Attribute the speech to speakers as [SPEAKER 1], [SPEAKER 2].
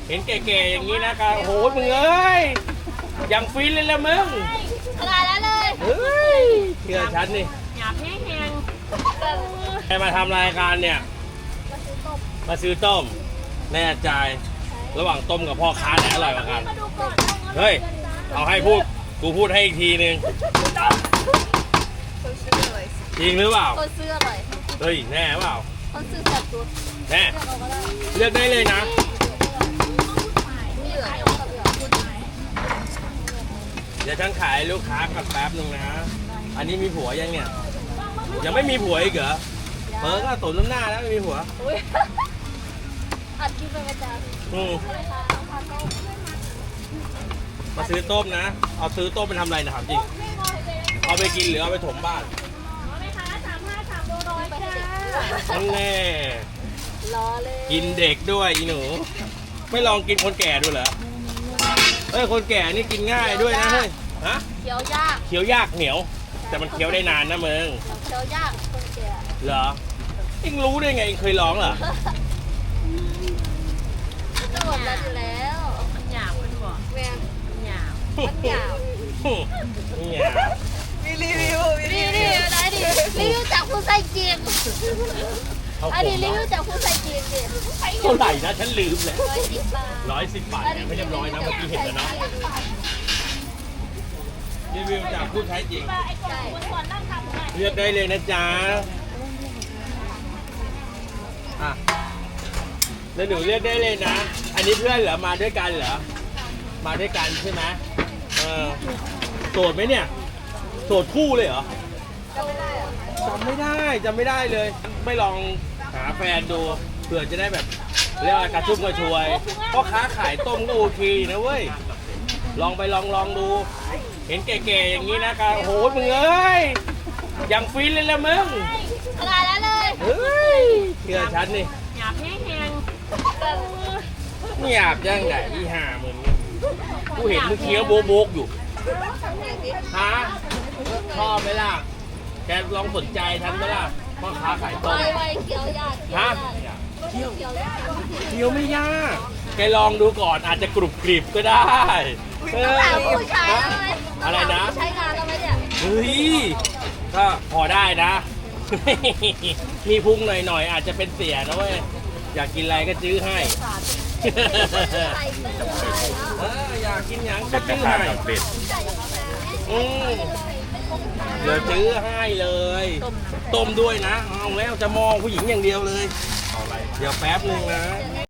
[SPEAKER 1] เห็นแก่ๆอย่างนี้นะครับโอ้โหมึงเอ้ยยังฟินเลยละมึง
[SPEAKER 2] ขนาดนั้นเลย
[SPEAKER 1] เฮ้ยเชื่อฉันนี่
[SPEAKER 2] หยาบแห้ง
[SPEAKER 1] ใครมาทำรายการเนี่ยมาซื้อต้มแน่ใจระหว่างต้มกับพ่อค้าไหนอร่อยกว่ากันเฮ้ยเอาให้พูดกูพูดให้อีกทีนึงจริงหรือเปล่า
[SPEAKER 2] คนซื้ออร่อย
[SPEAKER 1] เฮ้ยแน่เปล่า
[SPEAKER 2] คนซื้อแบบตัว
[SPEAKER 1] แน่เลือกได้เลยนะ
[SPEAKER 2] เหลืองกับเหลือง
[SPEAKER 1] เดี๋ยวฉันขายลูกค้ากับแป๊บนึงนะอันนี้มีผัวยังเนี่ยยังไม่มีผัวอีกเหรอเพิ่งก็ตุนน้ำหน้าแล้วไม่มีผัว
[SPEAKER 2] อัดคลิปไปประจ
[SPEAKER 1] อืมมาซื้อต้มนะ เอาซื้อต้มไปทำอะไรนะถามจริง เอาไปกินหรือเอาไปถมบ้านนั่นแน่
[SPEAKER 2] ำรอเลย
[SPEAKER 1] กินเด็กด้วยอีหนู ไม่ลองกินคนแก่ดูเหรอเฮ้ยคนแก่นี่กินง่ายด้วยนะเฮ้ยฮะ
[SPEAKER 2] เคี้ยวยาก
[SPEAKER 1] เคี้ยวยากเหนียว แต่มันเคี้ยวได้นานนะมึง
[SPEAKER 2] เคี้ยวยากคนแก่
[SPEAKER 1] เหรอเอ็งรู้ได้ไงเอ็งเคยร้องเหรอ
[SPEAKER 2] จะหมดแล้วอยู่แล้วมันหยาบมันบอกแม่มันหยาบมันหยาบ
[SPEAKER 1] เนี่ย
[SPEAKER 3] มีรีวิว
[SPEAKER 2] รีวิวได้ดิรีวิวจากผู้ใส่จีน
[SPEAKER 1] เขา
[SPEAKER 2] อัน
[SPEAKER 1] ผม
[SPEAKER 2] นี้รีวิวจากผู้ใส่จีนดิ
[SPEAKER 1] เท่าไหร่นะฉันลืมเลย
[SPEAKER 2] 110 บาท
[SPEAKER 1] 110 บาทเนี่ยไม่เรียบร้อยนะเมื่อกี้เห็นแล้วเนาะรีวิวจากผู้ใช้จริง
[SPEAKER 2] ใช่
[SPEAKER 1] เลือกได้เลยนะจ๊ะอ่ะแล้วหนูเลือกได้เลยนะ อันนี้เพื่อนเหรอ มาด้วยกันเหรอ มาด้วยกันใช่ไหมโสดไหมเนี่ย โสดคู่เลยเหรอ จำไม่ได้เลย ไม่ลองหาแฟนดู เผื่อจะได้แบบเรียกว่ากระชุ่มกระชวยเพราะค้าขายต้มก็โอเคนะเว้ย ลองไปลองดู เห็นแก่ๆอย่างนี้นะครับโอ้โหมึงเอ้ยยังฟินเลยละมึง
[SPEAKER 2] ขนาดนั้นเลย
[SPEAKER 1] เฮ้ยเชื่อฉันนี่
[SPEAKER 2] หยาบแห้ง
[SPEAKER 1] ไม่หยาบยังไงอีห่ามึงกูเห็นมึงเคี้ยวโบกอยู่ฮะชอบไหมล่ะแกลองสนใจฉันไหมล่ะพ่อค้าขายต้ม
[SPEAKER 2] ไวเคี้ยวยาก
[SPEAKER 1] ฮะ
[SPEAKER 2] เคี้ยวยาก
[SPEAKER 1] เคี้ยวไม่ยาก แกลองดูก่อนอาจจะกรุบกริบก็ได้เออ
[SPEAKER 2] ถามผู้ชายแล้วไหม
[SPEAKER 1] อะไรนะ
[SPEAKER 2] ใช้งานแล้วไหมเนี่ย
[SPEAKER 1] เฮ้ยก็พอได้นะ มีพุงหน่อยๆอาจจะเป็นเสียนะเว้ยอยากกินอะไรก็ซื้อให้
[SPEAKER 2] ใส่เสื้อใส่แล้ว
[SPEAKER 1] อยากกินหยังก็ซื้อให้อืมเดี๋ยวซื้อให้เลย ต้มด้วยนะเอาแล้วจะมองผู้หญิงอย่างเดียวเลย เดี๋ยวแป๊บนึงนะ